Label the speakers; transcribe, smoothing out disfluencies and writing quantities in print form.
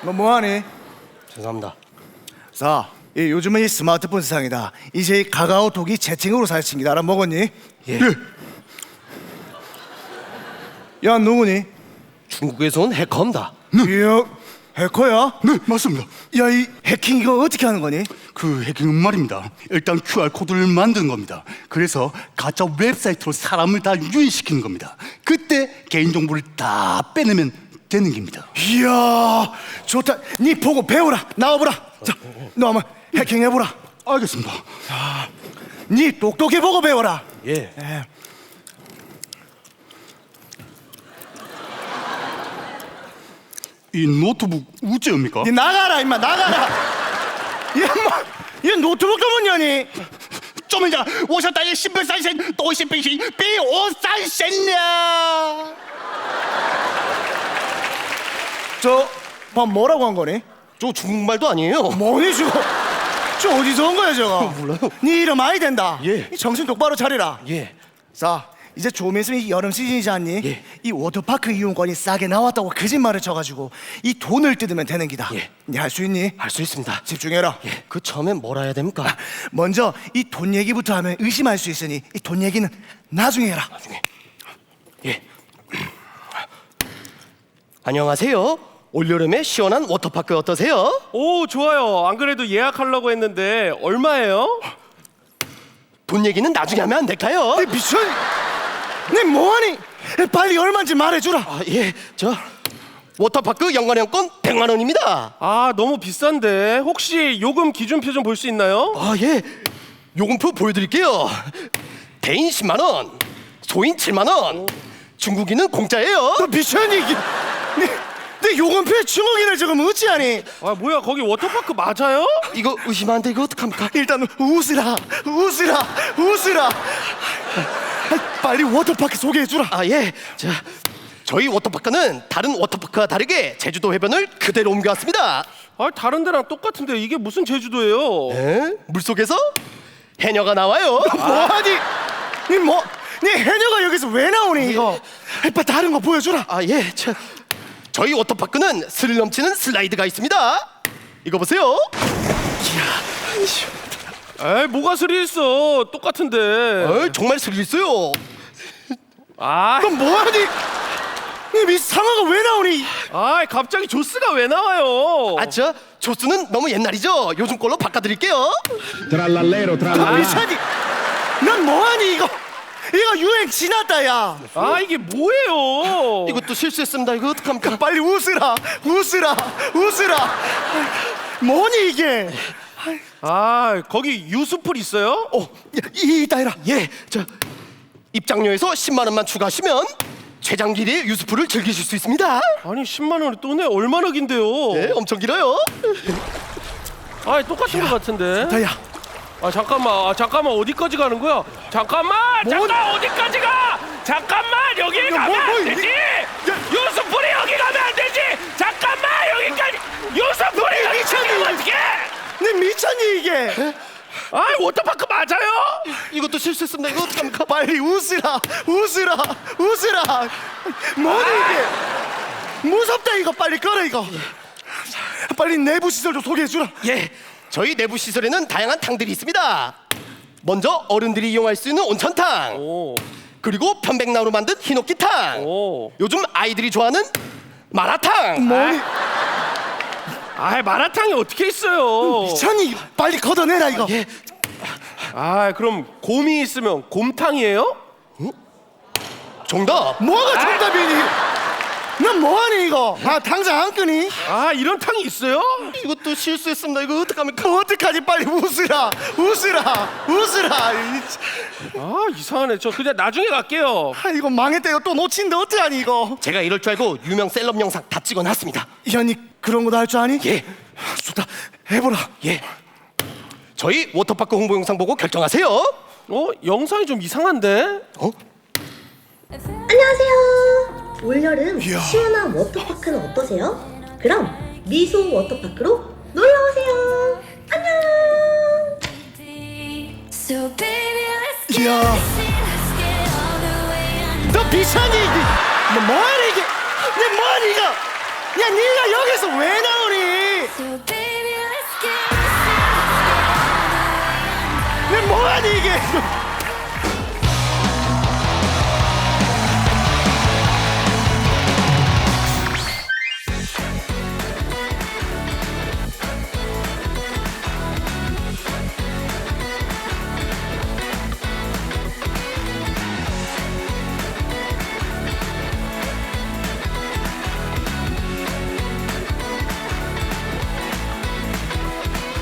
Speaker 1: 너 뭐하니?
Speaker 2: 죄송합니다.
Speaker 1: 자, 요즘은 이 스마트폰 세상이다. 이제 이 카카오톡이 채팅으로 사칭이다. 알아먹었니?
Speaker 2: 예.
Speaker 1: 야, 누구니?
Speaker 2: 중국에서 온 해커입니다.
Speaker 1: 이야, 해커야?
Speaker 3: 네, 맞습니다.
Speaker 1: 야, 이 해킹 이거 어떻게 하는 거니?
Speaker 3: 그 해킹은 말입니다. 일단 QR 코드를 만드는 겁니다. 그래서 가짜 웹사이트로 사람을 다 유인시키는 겁니다. 그때 개인 정보를 다 빼내면 되는 겁니다.
Speaker 1: 이야, 좋다. 니 보고 배워라. 나와보라. 자, 너 한번 해킹 해보라.
Speaker 3: 알겠습니다.
Speaker 1: 니 똑똑히 보고 배워라.
Speaker 2: 예.
Speaker 3: 이 노트북 우째입니까?
Speaker 1: 니 나가라, 임마, 나가라. 얘 노트북 좀 뭐냐니?
Speaker 3: 这么讲，我想大家心本三神，多心本心，比我三神呀！
Speaker 1: 저, 밥 뭐라고 한 거니?
Speaker 2: 저 중국말도 아니에요.
Speaker 1: 뭐니 저거? 저 어디서 온 거야 저거?
Speaker 2: 몰라요.
Speaker 1: 니 이름 많이 된다.
Speaker 2: 예.
Speaker 1: 이 정신 똑바로 차리라.
Speaker 2: 예.
Speaker 1: 자, 이제 좀 있으면 여름 시즌이지 않니?
Speaker 2: 예.
Speaker 1: 이 워터파크 이용권이 싸게 나왔다고 거짓말을 쳐가지고 이 돈을 뜯으면 되는 기다.
Speaker 2: 예.
Speaker 1: 니 할 수 있니?
Speaker 2: 할 수 있습니다.
Speaker 1: 집중해라.
Speaker 2: 예. 그 처음엔 뭘 해야 됩니까?
Speaker 1: 먼저 이 돈 얘기부터 하면 의심할 수 있으니 이 돈 얘기는 나중에 해라.
Speaker 2: 나중에. 예. 안녕하세요. 올여름에 시원한 워터파크 어떠세요?
Speaker 4: 오, 좋아요. 안 그래도 예약하려고 했는데 얼마예요?
Speaker 2: 돈 얘기는 나중에 하면 안 될까요?
Speaker 1: 니 미쳤니? 니 뭐하니? 빨리 얼마인지 말해주라.
Speaker 2: 아, 예. 저 워터파크 연간회원권 100만 원입니다.
Speaker 4: 아, 너무 비싼데 혹시 요금 기준표 좀 볼 수 있나요?
Speaker 2: 아, 예. 요금표 보여드릴게요. 개인 10만 원, 소인 7만 원, 중국인은 공짜예요.
Speaker 1: 너 미쳤니? 내 요금표에 중국인을 지금 어찌하니?
Speaker 4: 아, 뭐야, 거기 워터파크 맞아요?
Speaker 2: 이거 의심하는데 이거 어떡합니까?
Speaker 1: 일단 웃으라. 빨리 워터파크 소개해주라.
Speaker 2: 아, 예. 자, 저희 워터파크는 다른 워터파크와 다르게 제주도 해변을 그대로 옮겨왔습니다.
Speaker 4: 아, 다른 데랑 똑같은데 이게 무슨 제주도예요?
Speaker 2: 에? 물속에서 해녀가 나와요.
Speaker 1: 뭐하니? 니 해녀가 여기서 왜 나오니 이거? 빨리 다른 거 보여주라.
Speaker 2: 아, 예. 자, 저희 워터파크는 스릴 넘치는 슬라이드가 있습니다. 이거 보세요.
Speaker 4: 에이, 뭐가 스릴 있어? 똑같은데.
Speaker 2: 정말 스릴 있어요.
Speaker 4: 아,
Speaker 1: 너 뭐하니? 니 상어가 왜 나오니?
Speaker 4: 갑자기 조스가 왜 나와요?
Speaker 2: 아, 저 조스는 너무 옛날이죠. 요즘 걸로 바꿔드릴게요.
Speaker 5: Trallallero,
Speaker 1: 너
Speaker 5: trallallero.
Speaker 1: 미쳤니? 넌 뭐하니 이거? 이거 유행 지났다 야.
Speaker 4: 아, 이게 뭐예요?
Speaker 2: 이것도 실수했습니다. 이거 어떡합니까?
Speaker 1: 빨리 웃으라. 뭐니 이게?
Speaker 4: 아, 거기 유수풀 있어요?
Speaker 1: 이따 해라.
Speaker 2: 예. 저 입장료에서 10만 원만 추가하시면 최장길의 유수풀을 즐기실 수 있습니다.
Speaker 4: 아니, 10만 원이 또 내 얼마나 긴데요?
Speaker 2: 네, 엄청 길어요.
Speaker 4: 아, 똑같은 것 같은데.
Speaker 1: 다야.
Speaker 4: 잠깐만, 어디까지 가는 거야? 잠깐 어디까지 가? 잠깐만, 여기 가면 안 되지. 유수풀이 여기 가면 안 되지. 잠깐만, 여기까지. 유수풀이 여기 가면 어떻게?
Speaker 1: 니 미쳤니 이게?
Speaker 4: 아, 워터파크 맞아요?
Speaker 2: 이것도 실수했습니다. 이거 어떡합니까?
Speaker 1: 빨리 웃으라. 뭐니 이게? 무섭다 이거. 빨리 꺼라 이거. 빨리 내부 시설 좀 소개해주라.
Speaker 2: 예. 저희 내부 시설에는 다양한 탕들이 있습니다. 먼저 어른들이 이용할 수 있는 온천탕.
Speaker 4: 오,
Speaker 2: 그리고 편백나무로 만든 히노키탕.
Speaker 4: 오.
Speaker 2: 요즘 아이들이 좋아하는 마라탕.
Speaker 1: 뭐니?
Speaker 4: 마라탕이 어떻게 있어요?
Speaker 1: 미쳤니? 빨리 걷어내라 이거.
Speaker 2: 예.
Speaker 4: 그럼 곰이 있으면 곰탕이에요?
Speaker 2: 정답.
Speaker 1: 뭐가 정답이니? 넌 뭐하니 이거? 당장 안 끄니?
Speaker 4: 이런 탕이 있어요?
Speaker 2: 이것도 실수했습니다. 이거 어떡합니까?
Speaker 1: 어떡하지? 빨리 웃으라.
Speaker 4: 이상하네. 저 그냥 나중에 갈게요.
Speaker 1: 이거 망했다. 이거 또 놓친데 어떡하니 이거?
Speaker 2: 제가 이럴 줄 알고 유명 셀럽 영상 다 찍어놨습니다.
Speaker 1: 현이 그런 거 다 할 줄 아니?
Speaker 2: 예.
Speaker 1: 좋다. 해보라.
Speaker 2: 예. 저희 워터파크 홍보 영상 보고 결정하세요.
Speaker 4: 영상이 좀 이상한데?
Speaker 6: 안녕하세요. 올여름
Speaker 1: 이야.
Speaker 6: 시원한 워터파크는 어떠세요? 그럼 미소 워터파크로 놀러오세요. 안녕.
Speaker 1: 이야. 너 비싸니? 너 뭐하니 이게? 너 뭐하니 이거? 야 네가 여기서 왜 나오니? 내 뭐하니 이게?